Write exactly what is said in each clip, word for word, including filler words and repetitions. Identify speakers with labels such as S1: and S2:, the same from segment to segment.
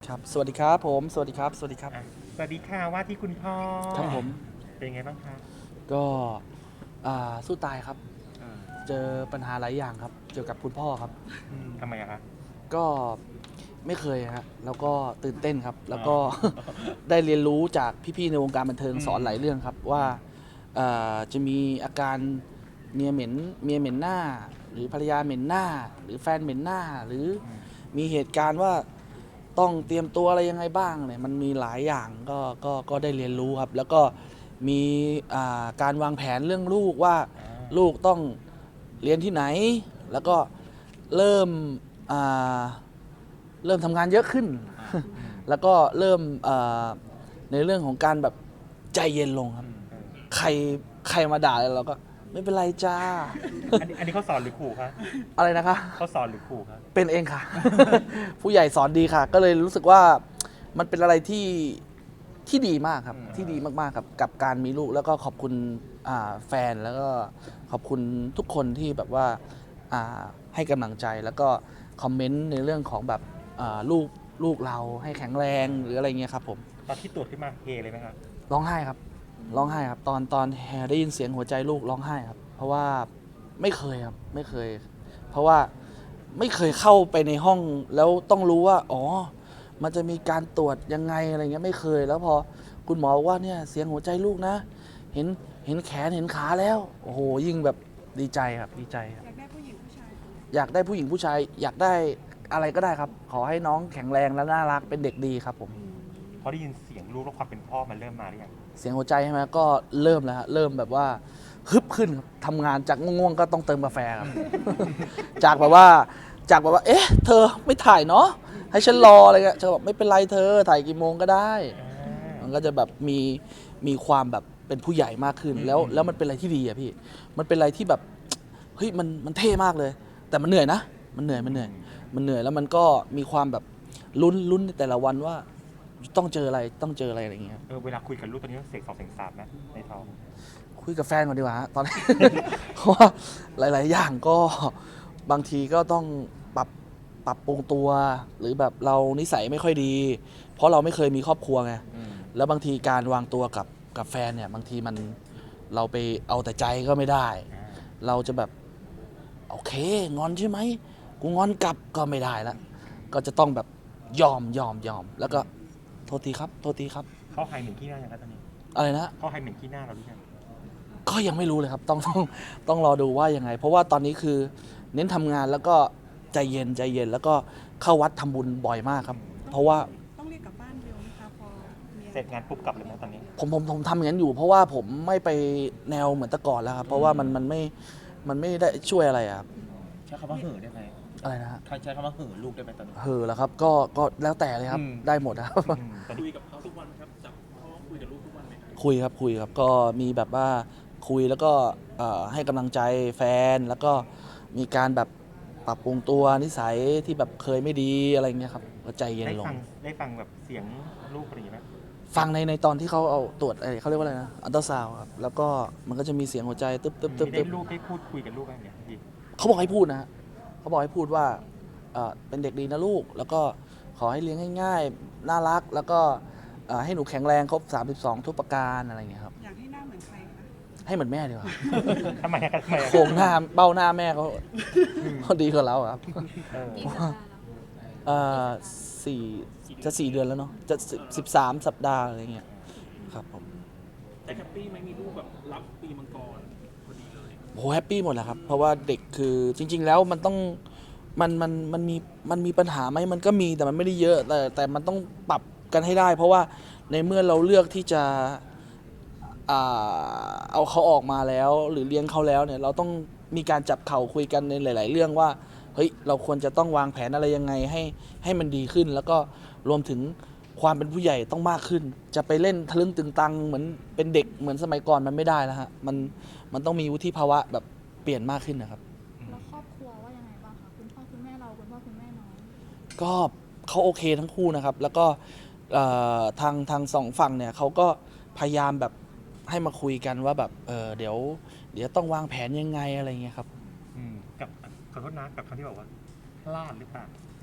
S1: ครับสวัสดีครับผมสวัสดีครับสวัสดีครับ
S2: อ่ะสวัสดีค่ะว่าที่คุณพ่อ
S1: ครับผม
S2: เป็นไงบ้างคะ
S1: ก็อ่าสู้ตายครับ
S2: อ่า
S1: เจอปัญหาหลายอย่างครับเกี่ยวกับคุณพ่อครับ
S2: อืมทำไมอะคะ
S1: ก็ไม่เคยฮะแล้วก็ตื่นเต้นครับ
S2: อ๋อ
S1: แล้วก็ ได้เรียนรู้จากพี่ๆในวงการบันเทิง
S2: อืม
S1: สอนหลายเรื่องครับว่าเอ่อจะมีอาการเมียเหม็นเมียเหม็นหน้าหรือภรรยาเหม็นหน้าหรือแฟนเหม็นหน้าหรือ
S2: อืม
S1: มีเหตุการณ์ว่าต้องเตรียมตัวอะไรยังไงบ้างเนี่ยมันมีหลายอย่างก็ก็ก็ได้เรียนรู้ครับแล้วก็มีอ่าการวางแผนเรื่องลูกว่า
S2: อ่า
S1: ลูกต้องเรียนที่ไหนแล้วก็เริ่มอ่าเริ่มทำงานเยอะขึ้น
S2: อ่าอืม
S1: แล้วก็เริ่มเอ่อในเรื่องของการแบบใจเย็นลงครับ
S2: อืมเออ
S1: ใครใครมาด่าเราก็ไม่เป็นไรจ้า
S2: อันนี้อันนี้เขาสอนหรือขู่คะ
S1: อะไรนะคะ
S2: เขาสอนหรือขู่คะ
S1: เป็นเองค่ะ ผู้ใหญ่สอนดีค่ะ ก็เลยรู้สึกว่ามันเป็นอะไรที่ที่ดีมากครับที่ดีมากๆกับกับการมีลูกแล้วก็ขอบคุณอ่าแฟนแล้วก็ขอบคุณทุกคนที่แบบว่าอ่าให้กำลังใจแล้วก็คอมเมนต์ในเรื่องของแบบอ่าลูกลูกเราให้แข็งแรงหรืออะไรเงี้ยครับผม
S2: ตอนที่ตรวจขึ้นมาเฮเลยไหมคะ
S1: ร้องไห้ครับร้องไห้ครับตอนตอนแฮได้ยินเสียงหัวใจลูกร้องไห้ครับเพราะว่าไม่เคยครับไม่เคย เพราะว่าไม่เคยเข้าไปในห้องแล้วต้องรู้ว่าอ๋อมันจะมีการตรวจยังไงอะไรเงี้ยไม่เคย แล้วพอคุณหมอบอกว่าเนี่ยเสียงหัวใจลูกนะ เห็นเห็นแขนเห็นขาแล้วโอ้โหยิ่งแบบดีใจครับดีใจครับ
S3: อยากได้ผู้หญิงผู้ชาย
S1: อยากได้ผู้หญิงผู้ชายอยากได้อะไรก็ได้ครับ ขอให้น้องแข็งแรงและน่ารักเป็นเด็กดีครับผม
S2: พอได้ยินเสียงลูกแล้วความเป็นพ่อมันเริ่มมาหรือยัง
S1: เสียงหัวใจใช่ไหมก็เริ่มแล้วฮะเริ่มแบบว่าฮึบขึ้นครับทำงานจากง่วงๆก็ต้องเติมกาแฟครับ จากแบบว่าจากแบบว่า เอ๊ะ เธอไม่ถ่ายเนาะให้ฉันรออะไรเงี้ยเธอบอกไม่เป็นไรเธอถ่ายกี่โมงก็ได้
S2: อ่า
S1: มันก็จะแบบมีมีความแบบเป็นผู้ใหญ่มากขึ้น
S2: อืม
S1: แล้ว
S2: อืม
S1: แล้วมันเป็นอะไรที่ดีอะพี่ มันเป็นอะไรที่แบบเฮ้ยมันมันเท่มากเลย แต่มันเหนื่อยนะ มันเหนื่อยมันเหนื่อยมันเหนื่อยแล้วมันก็มีความแบบลุ้นลุ้นในแต่ละวันว่าต้องเจออะไรต้องเจออะไรอะไรอย่างเงี้ย
S2: เออเวลาคุยกับลูกตอนนี้เสกสองเสกสามนะในท้อง
S1: คุยกับแฟนก่อนดีกว่าฮะตอนนี้ เพราะว่าหลาย ๆ อย่างก็บางทีก็ต้องปรับปรับปรุงตัว หรือแบบเรานิสัยไม่ค่อยดี เพราะเราไม่เคยมีครอบครัวไง
S2: อืม
S1: แล้วบางทีการวางตัวกับกับแฟนเนี่ยบางทีมันเราไปเอาแต่ใจก็ไม่ได้
S2: อ่า
S1: เราจะแบบโอเคงอนใช่ไหมกูงอนกลับก็ไม่ได้ละก็จะต้องแบบยอมยอมยอมแล้วก็โทษทีครับโทษทีครับ
S2: เขาหายเหม็นขี้หน้ายังคะตอนนี้
S1: อะไรนะ
S2: เขาหายเหม็นขี้หน้าเราหรือยัง
S1: ก็ยังไม่รู้เลยครับต้องต้องต้องรอดูว่ายังไง เพราะว่าตอนนี้คือเน้นทำงานแล้วก็ใจเย็นใจเย็นแล้วก็เข้าวัดทำบุญบ่อยมากครับ เพราะว่า
S3: ต้องเรียกกลับบ้านเร็วไหมคะพอมีอะ
S2: เสร็จงานปุ๊บกลับเลยไหมตอนนี้
S1: ผมผมผมทำอย่างนั้นอยู่ เพราะว่าผมไม่ไปแนวเหมือนแต่ก่อนแล้วครับเพราะว่ามันมันไม่มันไม่ได้ช่วยอะไรอะครับ
S4: ใช้คำว่าเห่อได้ไหม
S1: อะไรนะฮะ
S4: ใครใช้คำว่าเห่อลูกได้ไหมตอนนี้
S1: เฮอแล้วครับก็ก็แล้วแต่เลยครับ
S4: อืม
S1: ได้หมดนะครับ
S2: อืมตอนนี้
S5: คุยกับเขาทุกวันครับจับเขาคุยกับลูกทุกวันไหมครับ
S1: คุยครับคุยครับก็มีแบบว่าคุยแล้วก็เอ่อให้กำลังใจแฟนแล้วก็มีการแบบปรับปรุงตัวนิสัยที่แบบเคยไม่ดีอะไรเงี้ยครับก็ใจเย็น
S2: ได้
S1: ลง
S2: ฟังได้ฟังแบบเสียงลูกอะไรอย่างงี้ไหม
S1: ฟังในในตอนที่เขาเอาตรวจเอ้ยเขาเรียกว่าอะไรนะอัลตราซาวด์ครับแล้วก็มันก็จะมีเสียงหัวใจตึ๊บตึ๊บตึ๊บ
S2: ได้
S1: ตึ๊บ
S2: ลูกได้พูดคุยกับลูกอะไรเนี่ยพี่
S1: เขาบอกให้พูดนะฮะเขาบอกให้พูดว่าเอ่อเป็นเด็กดีนะลูก แล้วก็ขอให้เลี้ยงง่ายๆน่ารัก แล้วก็เอ่อให้หนูแข็งแรงครบสามสิบสองทุกประการอะไรเงี้ยครับ
S3: อยากให้หน้าเหมือนใครคะ
S1: ให้เหมือนแม่ดีกว่า
S2: ทำไมอะทำไมอะ
S1: โครงหน้าเบ้าหน้าแม่เขาเขาดีกว่าเราอะครับ
S2: เออ
S1: เอ่อสี่จะสี่เดือนแล้วเนาะจะสิบสามสัปดาห์อะไรเงี้ยครับผม
S5: แต่แฮปปี้ไหมมีลูกแบบรับปีมังกรพอดีเลย
S1: โหแฮปปี้หมดแหละครับ เพราะว่าเด็กคือจริง ๆ แล้วมันต้องมันมันมันมีมันมีปัญหาไหมมันก็มีแต่มันไม่ได้เยอะ แต่แต่มันต้องปรับกันให้ได้ เพราะว่าในเมื่อเราเลือกที่จะอ่าเอาเขาออกมาแล้ว หรือเลี้ยงเขาแล้วเนี่ยเราต้องมีการจับเข่าคุยกันในหลาย ๆ เรื่องว่าเฮ้ยเราควรจะต้องวางแผนอะไรยังไงให้ให้มันดีขึ้น แล้วก็รวมถึงความเป็นผู้ใหญ่ต้องมากขึ้น จะไปเล่นทะลึ่งตึงตังเหมือนเป็นเด็กเหมือนสมัยก่อนมันไม่ได้แล้วฮะมันมันต้องมีวุฒิภาวะแบบเปลี่ยนมากขึ้นนะครับ
S6: แล้วครอบครัวว่ายังไงบ้างคะคุณพ่อคุณแม่เราคุณพ่อคุณแม่น้อง
S1: ก็เขาโอเคทั้งคู่นะครับ แล้วก็เอ่อทางทางสองฝั่งเนี่ยเขาก็พยายามแบบให้มาคุยกันว่าแบบเออเดี๋ยว เดี๋ยวต้องวางแผนยังไงอะไรเงี้ยครับ
S2: อืมกับขอโทษนะกับคำที่บอกว่าพลาดหรือเปล่า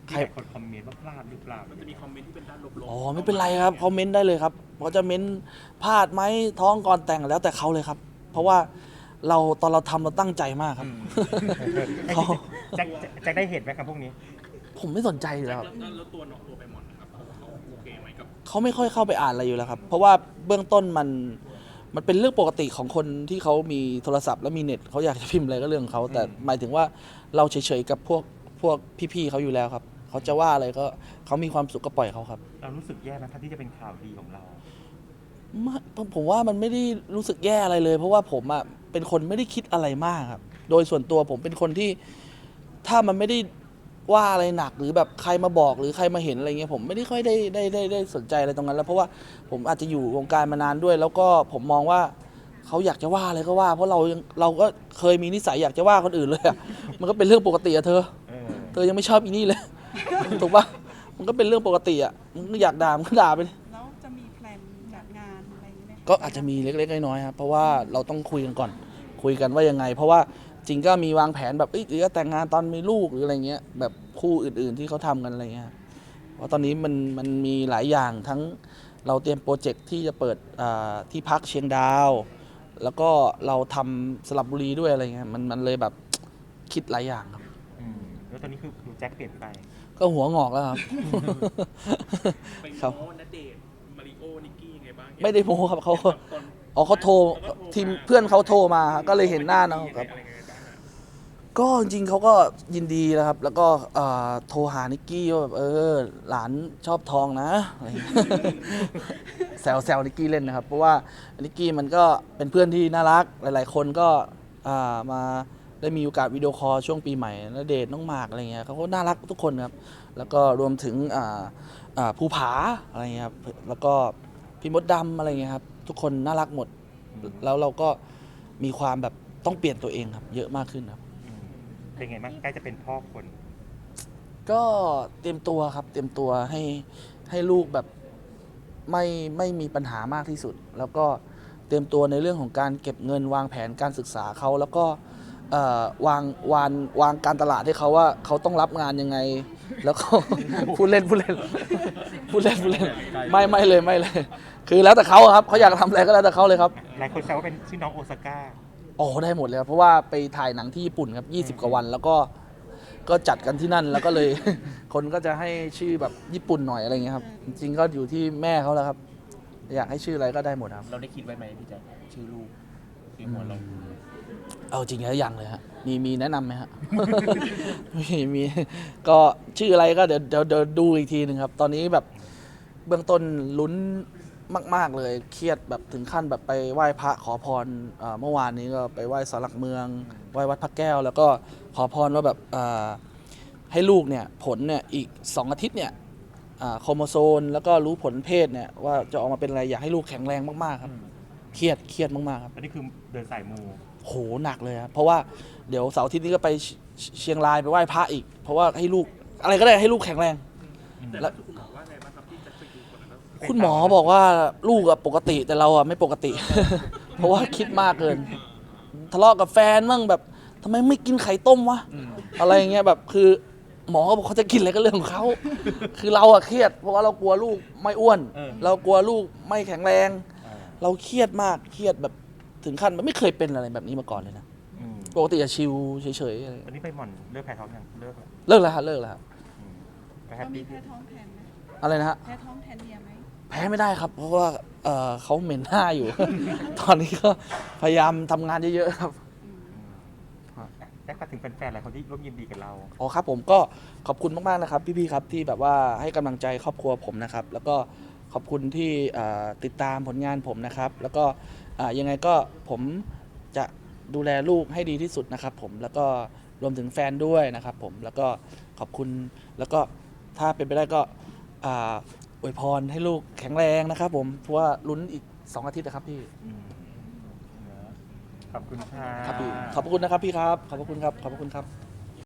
S2: ที่หลายคนคอมเมนต์ว่าพลาดหรือเปล่า
S5: มันจะมีคอมเมนต์ที่เป็นด้านลบๆ
S1: อ๋อไม่เป็นไรครับเขาเม้นได้เลยครับเขาจะเม้นพลาดไหมท้องก่อนแต่งแล้วแต่เขาเลยครับ เพราะว่าเราตอนเราทำเราตั้งใจมากครับ เขา
S2: แจ็คแจ็คได้เห็นไหมครับพวกนี้
S1: ผมไม่สนใจอยู่แล้วครับ
S5: แล้วแล้วตัวน้องตัวใบหมอนนะครับเขาโอเคไหมกับ
S1: เขาไม่ค่อยเข้าไปอ่านอะไรอยู่แล้วครับ เพราะว่าเบื้องต้นมันมันเป็นเรื่องปกติของคนที่เขามีโทรศัพท์และมีเน็ตเขาอยากจะพิมพ์อะไรก็เรื่องของเขาแต่หมายถึงว่าเราเฉยๆกับพวกพวกพี่ๆเขาอยู่แล้วครับเขาจะว่าอะไรก็เขามีความสุขก็ปล่อยเขาครับ
S2: เรารู้สึกแย่ไหมครับที่จะเป็นข่าวดีของเรา
S1: ไม่ผมผมว่ามันไม่ได้รู้สึกแย่อะไรเลย เพราะว่าผมอ่ะเป็นคนไม่ได้คิดอะไรมากครับ โดยส่วนตัวผมเป็นคนที่ถ้ามันไม่ได้ว่าอะไรหนักหรือแบบใครมาบอกหรือใครมาเห็นอะไรเงี้ยผมไม่ได้ค่อยได้ได้ได้ได้สนใจอะไรตรงนั้นแล้วเพราะว่าผมอาจจะอยู่วงการมานานด้วย แล้วก็ผมมองว่าเขาอยากจะว่าอะไรก็ว่า เพราะเรายังเราก็เคยมีนิสัยอยากจะว่าคนอื่นเลยอะมันก็เป็นเรื่องปกติอะเธอ
S2: เออ
S1: เธอยังไม่ชอบอีนี่เลย ถูกปะมันก็เป็นเรื่องปกติอะมึงอยากด่ามึงก็ด่าไปดิ
S3: แล้วจะมีแพลนจัดงานอะไรอย่างเงี้ยไหมคะ
S1: ก็อาจจะมีเล็กๆน้อยๆครับเพราะว่าเราต้องคุยกันก่อน คุยกันว่ายังไง เพราะว่าจริงก็มีวางแผนแบบเอ้ยหรือจะแต่งงานตอนมีลูกหรืออะไรเงี้ยแบบคู่อื่นๆที่เขาทำกันอะไรเงี้ยเพราะตอนนี้มันมันมีหลายอย่างทั้งเราเตรียมโปรเจกต์ที่จะเปิดอ่าที่พักเชียงดาว แล้วก็เราทำสลับบุรีด้วยอะไรเงี้ยมันมันเลยแบบคิดหลายอย่างครับ
S2: อืมแล้วตอนนี้คือดูแจ็คเปลี่ยนไป
S1: ก็หัวงอกแล้วครับ
S5: ไป
S1: ครับ
S5: โม้ณเดชน์มาริโอนิกกี้ยังไงบ้าง
S1: ไม่ได้โม้ครับเขา
S5: ตอน
S1: อ๋อเขาโทรทีมเพื่อนเขาโทรมาครับก็เลยเห็นหน้าน้องครับ
S5: อะไรยังไงบ้างอะ
S1: ก็จริงๆเขาก็ยินดีนะครับ แล้วก็เอ่อโทรหานิกกี้ว่าแบบเออหลานชอบทองนะอะไรอย่างเงี้ย แซวแซวนิกกี้เล่นนะครับ เพราะว่านิกกี้มันก็เป็นเพื่อนที่น่ารักหลาย ๆ คนก็อ่ามาได้มีโอกาสวิดีโอคอลช่วงปีใหม่ณเดชน์น้องหมากอะไรเงี้ยเขาก็น่ารักทุกคนครับ แล้วก็รวมถึงอ่าอ่าภูผาอะไรเงี้ยครับแล้วก็พี่มดดำอะไรเงี้ยครับทุกคนน่ารักหมด แล้วเราก็มีความแบบต้องเปลี่ยนตัวเองครับเยอะมากขึ้นครับ
S2: อืมเป็นไงบ้างใกล้จะเป็นพ่อคน
S1: ก็เตรียมตัวครับ เตรียมตัวให้ให้ลูกแบบไม่ไม่มีปัญหามากที่สุด แล้วก็เตรียมตัวในเรื่องของการเก็บเงินวางแผนการศึกษาเขาแล้วก็เอ่อวางวางวางการตลาดให้เขาว่าเขาต้องรับงานยังไง แล้วก็ พูดเล่นพูดเล่นพูดเล่นพูดเล่นไม่ไม่เลยไม่เลย คือแล้วแต่เขาอะครับเขาอยากทำอะไรก็แล้วแต่เขาเลยครับ
S2: หลายคนแซวว่าเป็นชื่อน้องโอซาก้า
S1: โอ้ได้หมดเลยครับเพราะว่าไปถ่ายหนังที่ญี่ปุ่นครับยี่สิบกว่าวัน แล้วก็ก็จัดกันที่นั่นแล้วก็เลย คนก็จะให้ชื่อแบบญี่ปุ่นหน่อยอะไรเงี้ยครับจริงๆก็อยู่ที่แม่เขาแล้วครับ อยากให้ชื่ออะไรก็ได้หมดครับ
S4: เราได้คิดไว้ไหมพี่แจ๊คชื่อลูกที่หัวเรา
S1: เอาจริงแล้วยังเลยฮะมีมีแนะนำไหมฮะ มีมีก็ชื่ออะไรก็เดี๋ยวเดี๋ยวเดี๋ยวดูอีกทีหนึ่งครับ ตอนนี้แบบเบื้องต้นลุ้นมาก ๆ เลย เครียดแบบถึงขั้นแบบไปไหว้พระขอพรเอ่อเมื่อวานนี้ก็ไปไหว้ศาลหลักเมืองไหว้วัดพระแก้ว แล้วก็ขอพรว่าแบบเอ่อให้ลูกเนี่ยผลเนี่ยอีกสองอาทิตย์เนี่ยอ่าโครโมโซนแล้วก็รู้ผลเพศเนี่ยว่าจะออกมาเป็นอะไรอยากให้ลูกแข็งแรงมากๆครับเครียดเครียดมากๆครับ
S2: อันนี้คือเดินสายมู
S1: โหหนักเลยครับเพราะว่าเดี๋ยวเสาร์อาทิตย์นี้ก็ไปเชเชียงรายไปไหว้พระอีก เพราะว่าให้ลูกอะไรก็ได้ให้ลูกแข็งแรง
S5: แต่
S1: แล้ว
S5: คุณหมอว่าไงบ้างครับที่จะไปดูคนนั้นแล้ว
S1: คุณหมอบอกว่าลูกอะปกติแต่เราอะไม่ปกติ เพราะว่าคิดมากเกิน ทะเลาะกับแฟนมั่งแบบทำไมไม่กินไข่ต้มวะอะไรอย่างเงี้ยแบบคือหมอเขาบอกเขาจะกินอะไรก็เรื่องของเขา คือเราอะเครียด เพราะว่าเรากลัวลูกไม่อ้วน
S2: เออ
S1: เรากลัวลูกไม่แข็งแรง
S2: อ่า
S1: เราเครียดมากเครียดแบบถึงขั้นมันไม่เคยเป็นอะไรแบบนี้มาก่อนเลยนะ
S2: อืม
S1: ปกติจะชิลเฉยๆอะไร
S2: วันนี้ไปหม่อนเลิกแพ้ท้องยังเลิกแล้ว
S1: เลิกแล้วฮะเลิกแล้วฮะ
S2: อืมก็แฮ
S3: เรา
S2: ป
S3: มี
S2: ปี้
S3: แพ้ท้องแทนไหม
S1: อะไรนะฮะ
S3: แพ้ท้องแทนเมียไหม
S1: แพ้ไม่ได้ครับ เพราะว่าเอ่อเขาเหม็นหน้าอยู่ ตอนนี้ก็พยายามทำงานเยอะๆครับ
S2: แจ็คฝากถึงแฟนๆหลายคนที่ร่วมยินดีกับเรา
S1: อ๋อครับผมก็ขอบคุณมากๆนะครับ พี่ๆครับที่แบบว่าให้กำลังใจครอบครัวผมนะครับ แล้วก็ขอบคุณที่เอ่อติดตามผลงานผมนะครับ แล้วก็อ่ายังไงก็ผมจะดูแลลูกให้ดีที่สุดนะครับ ผมแล้วก็รวมถึงแฟนด้วยนะครับ ผมแล้วก็ขอบคุณแล้วก็ถ้าเป็นไปได้ก็อ่าอวยพรให้ลูกแข็งแรงนะครับ ผมเพราะว่าลุ้นอีกสองอาทิตย์นะครับพี่
S2: อืมขอบคุณค่ะ
S1: ครับพี่ขอบพระคุณนะครับพี่ครับขอบพระคุณครับขอบพระคุณครับ